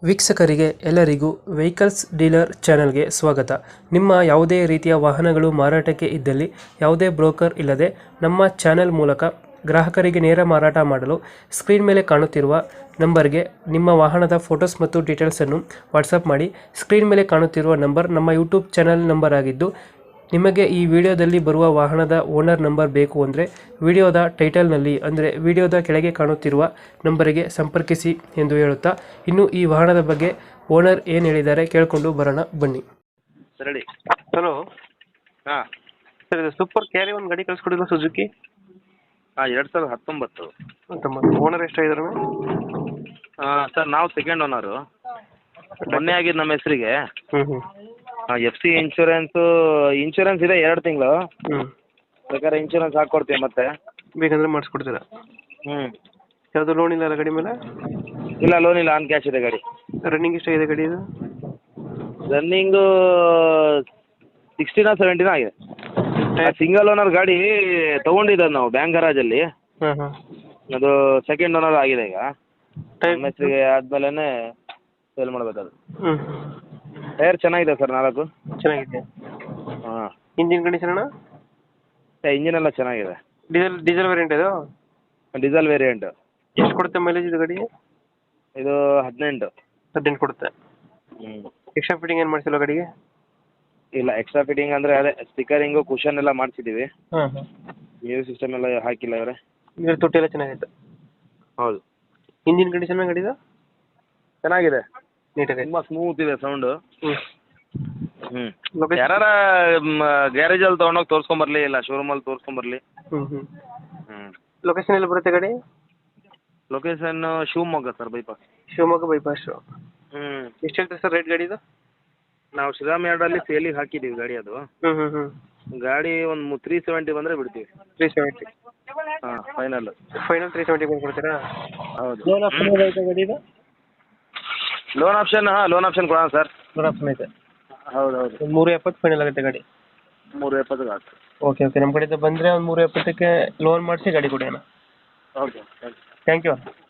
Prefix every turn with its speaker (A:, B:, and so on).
A: ವೀಕ್ಷಕರಿಗೆ ಎಲ್ಲರಿಗೂ vehicles dealer ಚಾನೆಲ್ಗೆ ಸ್ವಾಗತ. ನಿಮ್ಮ ಯಾವುದೇ ರೀತಿಯ ವಾಹನಗಳು ಮಾರಾಟಕ್ಕೆ ಇದ್ದಲ್ಲಿ ಯಾವುದೇ ಬ್ರೋಕರ್ ಇಲ್ಲದೆ ನಮ್ಮ ಚಾನೆಲ್ ಮೂಲಕ ಗ್ರಾಹಕರಿಗೆ ನೇರ ಮಾರಾಟ ಮಾಡಲು ಸ್ಕ್ರೀನ್ ಮೇಲೆ ಕಾಣುತ್ತಿರುವ ನಂಬರ್ಗೆ ನಿಮ್ಮ ವಾಹನದ ಫೋಟೋಸ್ ಮತ್ತು ಡೀಟೇಲ್ಸನ್ನು ವಾಟ್ಸಪ್ ಮಾಡಿ. ಸ್ಕ್ರೀನ್ ಮೇಲೆ ಕಾಣುತ್ತಿರುವ ನಂಬರ್ ನಮ್ಮ ಯೂಟ್ಯೂಬ್ ಚಾನೆಲ್ ನಂಬರ್ ಆಗಿದ್ದು, ನಿಮಗೆ ಈ ವಿಡಿಯೋದಲ್ಲಿ ಬರುವ ವಾಹನದ ಓನರ್ ನಂಬರ್ ಬೇಕು ಅಂದರೆ ವಿಡಿಯೋದ ಟೈಟಲ್ನಲ್ಲಿ ಅಂದರೆ ವಿಡಿಯೋದ ಕೆಳಗೆ ಕಾಣುತ್ತಿರುವ ನಂಬರಿಗೆ ಸಂಪರ್ಕಿಸಿ ಎಂದು ಹೇಳುತ್ತಾ, ಇನ್ನು ಈ ವಾಹನದ ಬಗ್ಗೆ ಓನರ್ ಏನು ಹೇಳಿದ್ದಾರೆ ಕೇಳಿಕೊಂಡು ಬರೋಣ ಬನ್ನಿ.
B: ಸರಿ.
A: ಹಲೋ
B: ಹಾಂ
A: ಸರ್, ಇದು ಸೂಪರ್ ಕ್ಯಾರಿ ಒಂದು ಗಾಡಿ ಕಳಿಸ್ಕೊಡಿಲ್ಲ ಸುಜುಕಿ?
B: ಹಾಂ 2019.
A: ಓನರ್ ಎಷ್ಟಾಗಿದ್ದಾರೆ?
B: ಸರ್ ನಾವು ಸೆಕೆಂಡ್ ಓನರು. ಮೊನ್ನೆ ಆಗಿದ್ದು ನಮ್ಮ ಹೆಸರಿಗೆ. ಎಫ್ ಸಿ ಇನ್ಶೂರೆನ್ಸ್ ಇದೆ 2 ತಿಂಗಳು. ಬೇಕಾದ್ರೆ ಇನ್ಶೂರೆನ್ಸ್ ಹಾಕ್ಕೊಡ್ತೀವಿ ಮತ್ತೆ.
A: ಬೇಕಂದ್ರೆ ಮಾಡಿಸ್ಕೊಡ್ತೀರಾ? ಯಾವುದು ಲೋನ್ ಇಲ್ಲ ಗಾಡಿ ಮೇಲೆ?
B: ಇಲ್ಲ, ಲೋನ್ ಇಲ್ಲ, ಆನ್ ಕ್ಯಾಶ್ ಇದೆ ಗಾಡಿ.
A: ರನ್ನಿಂಗ್ ಎಷ್ಟಾಗಿದೆ ಗಾಡಿ ಇದು?
B: ರನ್ನಿಂಗು 16 17 ಆಗಿದೆ. ಸಿಂಗಲ್ ಓನರ್ ಗಾಡಿ ತೊಗೊಂಡಿದ್ದು ನಾವು ಬ್ಯಾಂಕ್ ಗರಾಜಲ್ಲಿ. ಅದು ಸೆಕೆಂಡ್ ಓನರ್ ಆಗಿದೆ ಈಗ. ನಮ್ಮ ಹೆಸರಿಗೆ ಆದ್ಮೇಲೆ ಸೇಲ್ ಮಾಡಬೇಕದು. ಟೈರ್ ಚೆನ್ನಾಗಿದೆ ಸರ್, 4
A: ಚೆನ್ನಾಗಿದೆ.
B: ಹಾಂ.
A: ಇಂಜಿನ್ ಕಂಡೀಷನ್ ಅಣ್ಣ?
B: ಇಂಜಿನ್ ಎಲ್ಲ ಚೆನ್ನಾಗಿದೆ.
A: ಡೀಸೆಲ್ ವೇರಿಯಂಟ್ ಇದು?
B: Diesel variant.
A: ಎಷ್ಟು ಕೊಡುತ್ತೆ ಮೈಲೇಜ್ ಇದು ಗಾಡಿ?
B: ಇದು 18
A: ಕೊಡುತ್ತೆ. ಎಕ್ಸ್ಟ್ರಾ ಫಿಟ್ಟಿಂಗ್ ಏನು ಮಾಡಿಸಿಲ್ಲ ಗಾಡಿಗೆ?
B: ಇಲ್ಲ, ಎಕ್ಸ್ಟ್ರಾ ಫಿಟ್ಟಿಂಗ್ ಅಂದರೆ ಅದೇ ಸ್ಟಿಕರಿಂಗು, ಕುಷನ್ ಎಲ್ಲ ಮಾಡಿಸಿದ್ದೀವಿ. ಮ್ಯೂಸಿಕ್ ಸಿಸ್ಟಮ್ ಎಲ್ಲ ಹಾಕಿಲ್ಲ ಇವರೇ.
A: ಇದ್ರ ತೊಟ್ಟಿ ಎಲ್ಲ ಚೆನ್ನಾಗೈತೆ?
B: ಹೌದು.
A: ಇಂಜಿನ್ ಕಂಡೀಷನ್ ಗಾಡಿದು?
B: ಚೆನ್ನಾಗಿದೆ,
A: ನೀಟಾಗಿ
B: ತುಂಬ ಸ್ಮೂತ್ ಇದೆ ಸೌಂಡು.
A: ಲೊಕೇಶನ್?
B: ಯಾರ ಗ್ಯಾರೇಜಲ್ಲಿ ತೊಗೊಂಡೋಗಿ ತೋರಿಸ್ಕೊಂಬರ್ಲಿ, ಇಲ್ಲ ಶೋರೂಮಲ್ಲಿ ತೋರಿಸ್ಕೊಂಬರ್ಲಿ.
A: ಲೊಕೇಶನ್ ಎಲ್ಲಿ ಬರುತ್ತೆ ಗಾಡಿ?
B: Location Shivamogga sir, bypass.
A: Shivamogga bypass. ಎಷ್ಟು ಹೇಳ್ತೀರಿ ಸರ್ ರೇಟ್ ಗಾಡಿದು?
B: ನಾವು ಶ್ರೀರಾಮ್ ಯಾರ್ಡಲ್ಲಿ ಸೇಲಿಗೆ ಹಾಕಿದ್ದೀವಿ ಗಾಡಿ. ಅದು ಗಾಡಿ ಒಂದು 370 ಬಂದರೆ ಬಿಡ್ತೀವಿ.
A: 370?
B: ಹಾಂ, ಫೈನಲ್
A: 370 ಕೊಡ್ತೀರಾ?
B: ಹೌದು.
A: ಲೋನ್ ಆಪ್ಷನ್ ಐತೆ ಗಾಡಿದು?
B: ಲೋನ್ ಆಪ್ಷನ್ ಕೊಡೋಣ ಸರ್.
A: ಲೋನ್ ಆಪ್ಷನ್ ಐತೆ?
B: ಹೌದು.
A: 370 ಫೈನಲ್ ಆಗುತ್ತೆ ಗಾಡಿ?
B: 370 ಆಗುತ್ತೆ.
A: ಓಕೆ. ನಮ್ಮ ಕಡೆಯಿಂದ ಬಂದರೆ ಒಂದು 370ಕ್ಕೆ ಲೋನ್ ಮಾಡಿಸಿ ಗಾಡಿ ಕೊಡಿ ಅಣ್ಣ.
B: Okay,
A: thank you.